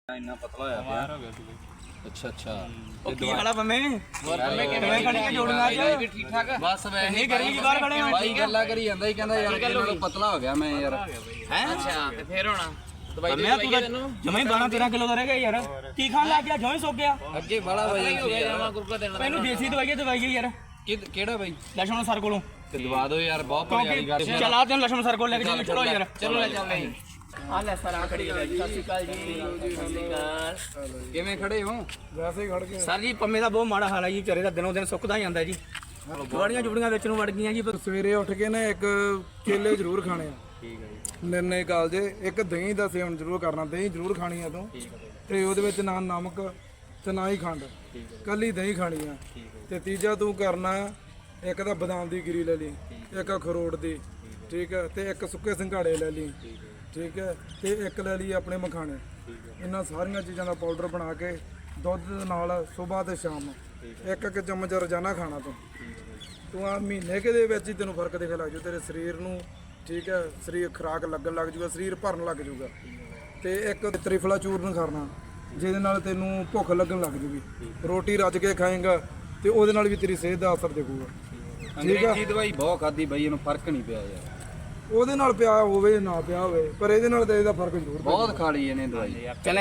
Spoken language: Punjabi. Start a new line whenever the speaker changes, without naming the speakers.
ਇੰਨਾ ਪਤਲਾ ਹੋਇਆ ਪਿਆ
ਹੋ ਗਿਆ ਸੀ ਬਈ।
ਅੱਛਾ ਅੱਛਾ
ਉਹ ਕੀ ਹਾਲਾ ਬੰਮੇ ਕਿਵੇਂ ਖੜੀਆਂ ਜੋੜੀਆਂ ਅੱਜ
ਵੀ ਠੀਕ ਠਾਕ
ਬਸ ਵੈਸੇ
ਨਹੀਂ ਗਰਮੀ ਦੀ ਬਾਹਰ ਖੜੇ ਹੋ
ਬਾਈ ਗੱਲਾਂ ਕਰੀ ਜਾਂਦਾ ਹੀ ਕਹਿੰਦਾ ਯਾਰ ਇਹਨਾਂ ਨੂੰ ਪਤਲਾ ਹੋ ਗਿਆ ਮੈਂ ਯਾਰ
ਹੈ
ਅੱਛਾ ਤੇ ਫੇਰ ਹੋਣਾ ਦਵਾਈ
ਮੈਂ ਤੂੰ ਤਾਂ ਜਮਾਂ ਹੀ 12-13 ਕਿਲੋ ਦਾ ਰਹਿ ਗਿਆ ਯਾਰ ਕੀ ਖਾਣ ਲੱਗ ਗਿਆ ਜਮਾਂ ਹੀ ਸੁੱਕ ਗਿਆ
ਅੱਗੇ ਬਾਲਾ ਬਾਈ
ਹੋ ਗਿਆ ਜਮਾ ਗੁਰਕਾ ਦੇਣਾ
ਮੈਨੂੰ ਦੇਸੀ ਦਵਾਈ ਯਾਰ
ਕਿਹੜਾ ਬਾਈ
ਲక్ష్మణ ਸਰ ਕੋਲੋਂ
ਤੇ ਦਵਾ ਦਿਓ ਯਾਰ ਬਹੁਤ ਭਲੀ ਗੱਲ
ਕਿਉਂਕਿ ਚਲਾ ਤੈਨੂੰ ਲక్ష్మణ ਸਰ ਕੋਲ ਲੈ ਕੇ ਚੱਲ ਚਲੋ ਯਾਰ
ਚਲੋ ਲੈ ਚੱਲਦੇ
ਆ ਲੈ ਸਰ ਆ ਖੜੀ ਹੈ ਜੀ ਸਤਿ ਸ਼੍ਰੀ ਅਕਾਲ ਜੀ ਸਤਿ ਸ਼੍ਰੀ ਅਕਾਲ
ਕਿਵੇਂ ਖੜੇ ਹੋ
ਵੈਸੇ ਹੀ ਖੜ ਕੇ
ਸਰ ਜੀ ਪੰਮੇ ਦਾ ਬਹੁਤ ਮਾੜਾ ਹਾਲ ਹੈ ਜੀ ਵਿਚਾਰੇ ਦਾ ਦਿਨੋਂ ਦਿਨ ਸੁੱਕਦਾ ਜਾਂਦਾ ਜੀ ਗਵਾੜੀਆਂ ਜੁੜੀਆਂ ਵਿੱਚ ਨੂੰ ਵੜ ਗਈਆਂ ਜੀ
ਸਵੇਰੇ ਉੱਠ ਕੇ ਨਾ ਇੱਕ ਕੇਲੇ ਜ਼ਰੂਰ ਖਾਣੇ ਆ। ਠੀਕ ਹੈ ਜੀ। ਨਿਰਣੇ ਕਾਲ ਜੇ ਇੱਕ ਦਹੀਂ ਦਾ ਸੇਵਨ ਜ਼ਰੂਰ ਕਰਨਾ, ਦਹੀਂ ਜ਼ਰੂਰ ਖਾਣੀ ਆ ਤੂੰ ਤੇ ਉਹਦੇ ਵਿੱਚ ਨਾ ਨਮਕ ਤੇ ਨਾ ਹੀ ਖੰਡ, ਕੱਲੀ ਦਹੀਂ ਖਾਣੀ ਆ। ਤੇ ਤੀਜਾ ਤੂੰ ਕਰਨਾ ਇੱਕ ਤਾਂ ਬਦਾਮ ਦੀ ਗਿਰੀ ਲੈ ਲਈ, ਇੱਕ ਅਖਰੋਟ ਦੀ, ਠੀਕ ਹੈ, ਤੇ ਇੱਕ ਸੁੱਕੇ ਸੰਘਾੜੇ ਲੈ ਲਈ, ਠੀਕ ਹੈ, ਤੇ ਇੱਕ ਲੈ ਲਈ ਆਪਣੇ ਮਖਾਣੇ। ਇਹਨਾਂ ਸਾਰੀਆਂ ਚੀਜ਼ਾਂ ਦਾ ਪਾਊਡਰ ਬਣਾ ਕੇ ਦੁੱਧ ਦੇ ਨਾਲ ਸਵੇਰ ਤੇ ਸ਼ਾਮ ਇੱਕ ਇੱਕ ਚਮਚ ਰੋਜ਼ਾਨਾ ਖਾਣਾ ਤੂੰ ਆ ਮਹੀਨੇ ਕੇ ਦੇ ਵਿੱਚ ਹੀ ਤੈਨੂੰ ਫਰਕ ਦਿਖਣ ਲੱਗ ਜੂ ਤੇਰੇ ਸਰੀਰ ਨੂੰ, ਠੀਕ ਹੈ, ਸਰੀਰ ਖੁਰਾਕ ਲੱਗਣ ਲੱਗ ਜੂਗਾ, ਸਰੀਰ ਭਰਨ ਲੱਗ ਜੂਗਾ। ਤੇ ਇੱਕ ਤ੍ਰਿਫਲਾ ਚੂਰਨ ਕਰਨਾ ਜਿਹਦੇ ਨਾਲ ਤੈਨੂੰ ਭੁੱਖ ਲੱਗਣ ਲੱਗ ਜੂਗੀ। ਰੋਟੀ ਰੱਜ ਕੇ ਖਾਏਗਾ ਤੇ ਉਹਦੇ ਨਾਲ ਵੀ ਤੇਰੀ ਸਿਹਤ ਦਾ ਅਸਰ ਦਿਖੂਗਾ।
ਅੰਗਰੇਜ਼ੀ ਦਵਾਈ ਬਹੁਤ ਖਾਦੀ ਬਾਈ ਇਹਨੂੰ ਫਰਕ ਨਹੀਂ ਪਿਆ ਯਾਰ
ਉਹਦੇ ਨਾਲ ਪਿਆ ਹੋਵੇ ਨਾ ਪਿਆ ਹੋਵੇ ਪਰ ਇਹਦੇ ਨਾਲ ਤਾਂ ਇਹਦਾ ਫਰਕ ਜ਼ਰੂਰ
ਬਹੁਤ ਖਾ ਲਈ ਇਹਨੇ ਦਵਾਈ